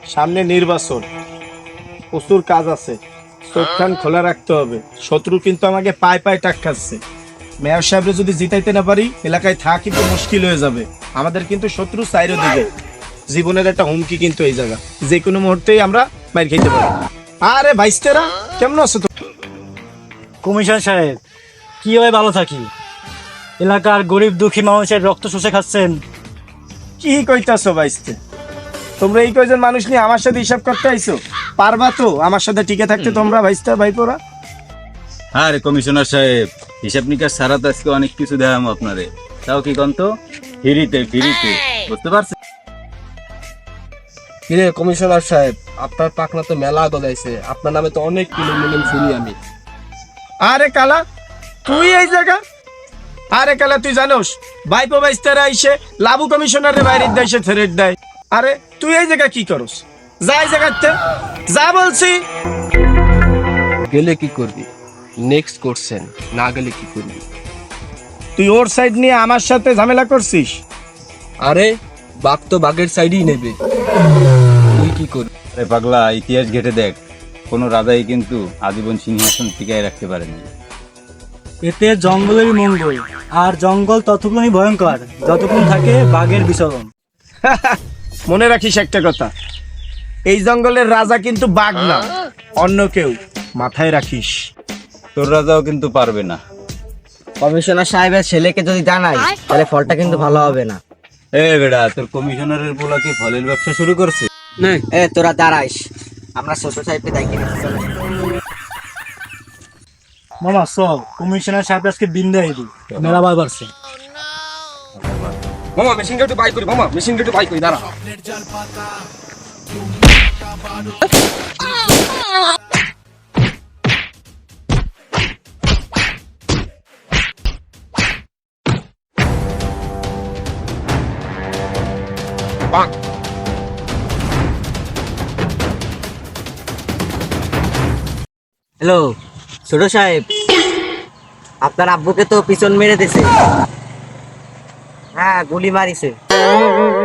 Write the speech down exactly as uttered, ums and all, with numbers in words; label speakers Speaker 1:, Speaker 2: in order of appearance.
Speaker 1: সামনে নির্বাচন, প্রচুর কাজ আছে, চোখ কান খোলা রাখতে হবে। শত্রু কিন্তু আমাকে পায়ে পায়ে টাক খাচ্ছে। মেয়র সাহেবরে যদি জিতাইতে না পারি এলাকায় থাকা কিন্তু মুশকিল হয়ে যাবে। আমাদের কিন্তু শত্রু চাইরো দিকে, জীবনের একটা হুমকি কিন্তু এই জায়গা, যে কোনো মুহূর্তেই আমরা মার খেতে পারি। আরে ভাইস্তেরা কেমন আছো তো?
Speaker 2: কমিশন সাহেব, কিভাবে ভালো থাকি? এলাকার গরিব দুঃখী মানুষের রক্ত শুষে খাচ্ছেন।
Speaker 1: কি কইতাছো ভাইস্তে? তোমরা এই কয়জন মানুষ নিয়ে আমার সাথে হিসাব করতে আইছো? পারবা তো আমার সাথে টিকে থাকতে তোমরা ভাইস্তা ভাইপোরা?
Speaker 3: হ্যাঁ রে কমিশনার সাহেব, হিসাব নিকাশ ছাড়া তো আজকে অনেক কিছু দেখাম আপনারে। তাও কি কন্ত ফিরিতে ফিরিতে, বুঝতে পারছেন?
Speaker 4: কিরে কমিশনার সাহেব, আপনার পাকনা তো মেলা গলাইছে, আপনার নামে তো অনেক কিলোম মিলিম শুনি আমি।
Speaker 1: আরে কালা, তুই এই জায়গা? আরে কালা, তুই জানোস ভাইপো ভাইস্তারা আইসে লাবু কমিশনারের বাইরে দেশে থ্রেট দেয়। আরে তুই এই জায়গা কি করস? যা এই জায়গাতে যা বলছি।
Speaker 4: গেলে কি করবি? নেক্সট করছেন, না গেলে কি করবি?
Speaker 1: তুই ওর সাইড নিয়ে আমার সাথে ঝামেলা করছিস?
Speaker 4: আরে বাঘ তো বাঘের সাইডই নেবে, তুই কি করবি?
Speaker 3: আরে পাগলা, ইতিহাস ঘেটে দেখ, কোনো রাজাই কিন্তু আজীবন সিংহাসন টিকায় রাখতে পারেনি।
Speaker 2: এতে জঙ্গলেরই মঙ্গল, আর জঙ্গল ততক্ষণই ভয়ঙ্কর যতক্ষণ থাকে বাঘের বিচরণ।
Speaker 1: মনে রাখিস একটা কথা, এই জঙ্গলের রাজা কিন্তু বাঘ না, অন্য কেউ, মাথায় রাখিস।
Speaker 3: তোর রাজাও কিন্তু পারবে না।
Speaker 5: কমিশনার সাহেবের ছেলেকে যদি জানাই তাহলে ফলটা কিন্তু ভালো হবে না।
Speaker 3: এ বেড়া, তোর কমিশনারের পোলা কি ফলের ব্যবসা শুরু করছে?
Speaker 5: এ তোরা দাঁড়াইস, আমরা ছোট সাহেবকে দেখি নিচ্ছি, চলো।
Speaker 2: মামা সব কমিশনার সাহেব আজকে বিন্দাই দি মেলা বার বাড়ছে।
Speaker 4: মামা মেশিনটা একটু বাই করি, মামা মেশিনটা একটু বাই করি, দাঁড়া।
Speaker 5: হ্যালো ছোট সাহেব, আপনার আব্বুকে তো পিছন মেরে দিছে। হ্যাঁ গুলি মারিছে।